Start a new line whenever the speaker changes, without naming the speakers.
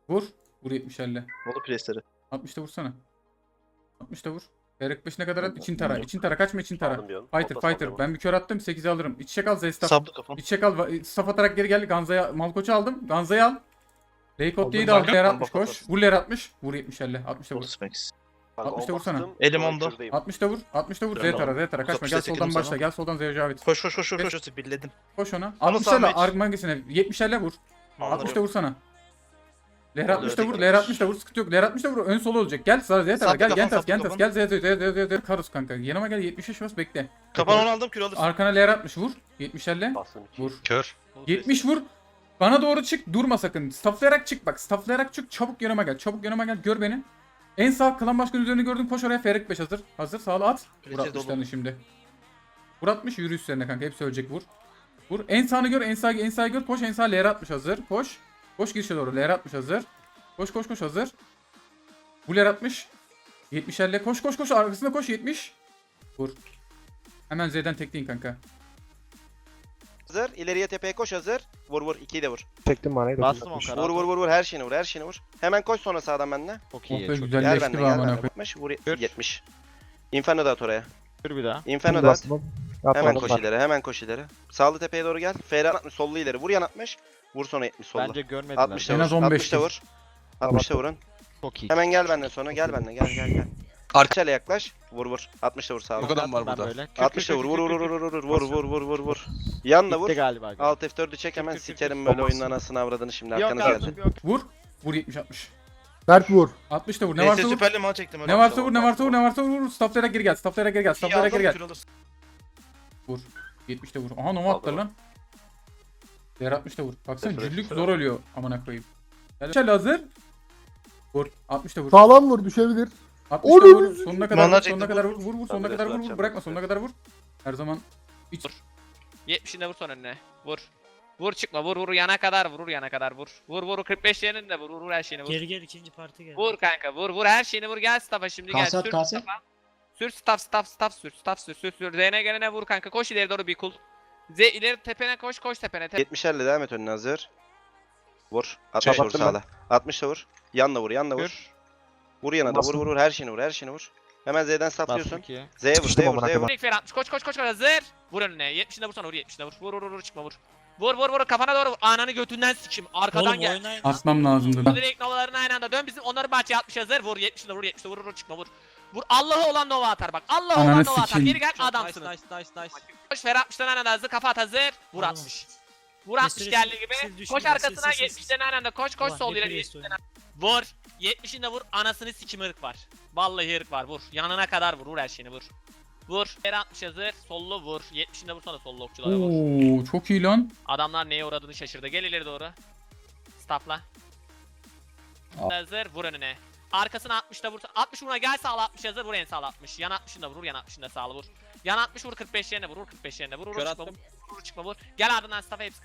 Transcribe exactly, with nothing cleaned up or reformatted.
Vur. Vur yetmiş elli.
Bolu presleri.
altmışta vursana. altmışta vur. Berek beşine kadar at. İçin tara. İçin tara. Kaçma için tara.
Aldım bir an.
Fighter
Atlas
fighter.
aldım.
Ben bir kör attım. sekize alırım. İç çek al Zestaf.
Saplı kafam.
İç çek al. Staff atarak geri geldi. Ganza'ya Malkoç'u aldım. Ganza'yı al. Reykot diye de
Aldım.
al. Ler
Aldım.
altmış
Aldım.
koş. Vur ler altmış. Vur yetmiş elli. altmışta vur.
Bolu Specs.
altmışta vursana.
Elim onda.
altmışta vur. altmışta vur. Z
Ben
tara.
aldım.
Z tara. Kaçma.
altmışta
Gel
sekiz
soldan
sana.
başla. Gel soldan Zeo Cavit.
Koş koş koş koş
Geç.
koş. Billedim.
Koş ona.
Onu
altmış elli.
sağ
Ark mangisine. yetmiş elli vur.
Anladım.
altmışta vursana. Ler
Onu
altmışta vur.
ördek
Ler
yapmış.
altmışta vur. Sıkıntı yok. Ler altmışta vur. Ön solu olacak. Gel sana Z tara.
Saplı
Gel.
kafan,
Gentas.
saplı
Gentas.
kafan.
Gel Z Z Z Z Z. Karus kanka. Yanıma gel. yetmiş beş bas bekle.
Kapan onu aldım kür alırsın.
Arkana ler altmış vur. yetmiş elli.
Bastım iki.
Vur.
Kör.
yetmiş vur. Bana doğru çık. Durma sakın. Stafflayarak çık bak. Stafflayarak çık. Çabuk yanıma gel. Çabuk yanıma gel. Gör beni. En sağ klan başkanı üzerine gördüm. Koş oraya. Ferik beş hazır. Hazır. Sağla at. Vur
Presi
altmışlarını şimdi. Vur atmış. Yürü üstlerine kanka. Hepsi ölecek. Vur. Vur. En sağını gör. En sağ en sağı gör. Koş. En sağ L R atmış hazır. Koş. Koş girişe doğru. L R atmış hazır. Koş koş koş hazır. Bu L R atmış. yetmiş elli. Koş koş koş. Arkasında koş. yetmiş. Vur. Hemen Z'den tekleyin kanka.
Hazır. İleriye tepeye koş hazır. Vur vur. ikiyi de vur.
Çektim manayı da.
Bastım o kadar.
Vur vur vur vur. Her şeyini vur. Her şeyini vur. Hemen koş sonra sağdan benimle.
Çok
Oh
iyi.
be
Çok iyi.
Gel
güzelleşti
benimle
be
gel
amına
benimle.
koyayım.
yetmiş. Vur
Kür.
yetmiş. Inferno da at oraya.
Kür bir daha.
Inferno da at.
Bastım.
Hemen
Yapmadım
koş
var.
ileri. Hemen koş ileri. Sağlı tepeye doğru gel. Ferhat atmış. Sollu ileri. Vur yan atmış. Vur sonra yetmiş sollu.
Bence görmediler.
altmışta
En
vur.
az on beş
altmışta vur. altmışta vurun.
Çok iyi.
Hemen gel benden sonra. Gel benimle. Gel gel gel. Arçayla yaklaş. Vur vur. altmışta vur sağlı.
Bu kadar mı var
Ben
burada?
böyle. Kür, kür,
altmışta
kür,
vur.
kür,
Vur
kür,
vur
kür,
vur
kür.
vur vur vur vur vur vur. Yanla vur.
Bitti galiba.
Alt F dördü çek hemen
Kür, kür, kür,
sikerim
kür.
böyle oyunun anasını avradını şimdi
Yok
arkanız
artık
gelsin.
yok.
Vur. Vur yetmiş altmış.
Berk vur.
altmış da vur. Ne
Neyse
varsa vur.
süperli mal çektim.
Ne varsa vur, ne varsa vur, ne varsa vur. vur. Stafflayarak geri gel. Stafflayarak geri gel. Stafflayarak geri gel. Vur. yetmiş de vur. Aha Nova atlar lan. Değer altmış da vur. Baksana
Refresh,
cüllük
refresh.
zor ölüyor amına koyayım. Gel hazır. Vur. altmış da vur.
Sağlam vur düşebilir.
altmış da vur. Sonuna kadar
Manlar
vur. Sonuna
çekti,
kadar vur. Vur vur. Sonuna
Ben
kadar vur.
biraz
vur.
atacağım,
Bırakma
biraz
sonuna kadar vur. Her zaman iç.
yetmişinde vur son önüne. Vur. Vur çıkma vur vur yana kadar vur yana kadar vur. Vur vur kırk beş yerinde vur vur vur her şeyini vur.
Geri gel ikinci parti gel.
Vur kanka vur vur her şeyini vur gel staff'a şimdi gel.
Kase at,
Sür
kase.
staff'a. Sür staff staff staff sür staff sür sür sür. Z'ne gelene vur kanka koş ileri doğru bir kul. Z ileri tepene koş koş tepene. Te
yetmiş elli devam et önüne hazır. Vur. altmış vur
Kapattım
sağla. altmış da vur. Yanla vur yanla vur.
Kür.
Vur yana da vur vur vur her şeyini vur her şeyini vur. Hemen Z'den
Bastım
saplıyorsun.
ikiye.
Z'ye vur
Sıkıştım
Z'ye vur
amına
Z'ye vur.
vur ilk fer altmış koş koş koş koş hazır. Vur önüne yetmişinde vur sonra vur yetmişinde vur. Vur vur vur çıkma vur. Vur vur vur kafana doğru vur. Ananı götünden sikim. Arkadan
Oğlum
gel.
oynayın.
Atmam lazımdı lan.
Direkt novalarını aynı anda dön bizim onları bahçeye atmış hazır. Vur yetmişinde vur yetmişinde vur vur çıkma vur. Vur Allah'ı olan nova atar bak. Allah'ı
Ananı
olan nova atar.
sikeyim.
Geri gel
Çok
adamsınız.
Nice nice nice nice.
Koş Ferhat altmıştan aynı anda hazır kafa at hazır. Vur
Oğlum.
altmış. Vur altmış
Sessiz,
geldi
sessiz
gibi.
düşün,
Koş
sessiz,
arkasına
sessiz.
yetmişten aynı anda koş koş
Ulan,
sol
bir
ileri
priest
yetmişten. Vur. yetmişinde vur anasını sikim ırk var. Vallahi ırk var vur. Yanına kadar vur vur her şeyini vur. Vur. Ferhat altmış hazır. Sollu vur. yetmişinde vur sonra sollu okçulara vur.
Oo çok iyi lan.
Adamlar neye uğradığını şaşırdı. Gel ileri doğru. Staffla. Hazır vur önüne. Arkasına altmışta vur. altmış vuruna gel sağla altmış hazır vur en sağla altmış. Yan altmışında vur yan altmışında sağla vur. Yan altmış vur kırk beş yerine vur vur kırk beş yerine vur vur
Kör
çıkma
attım.
vur vur çıkma vur. Gel ardından staff'a hepsi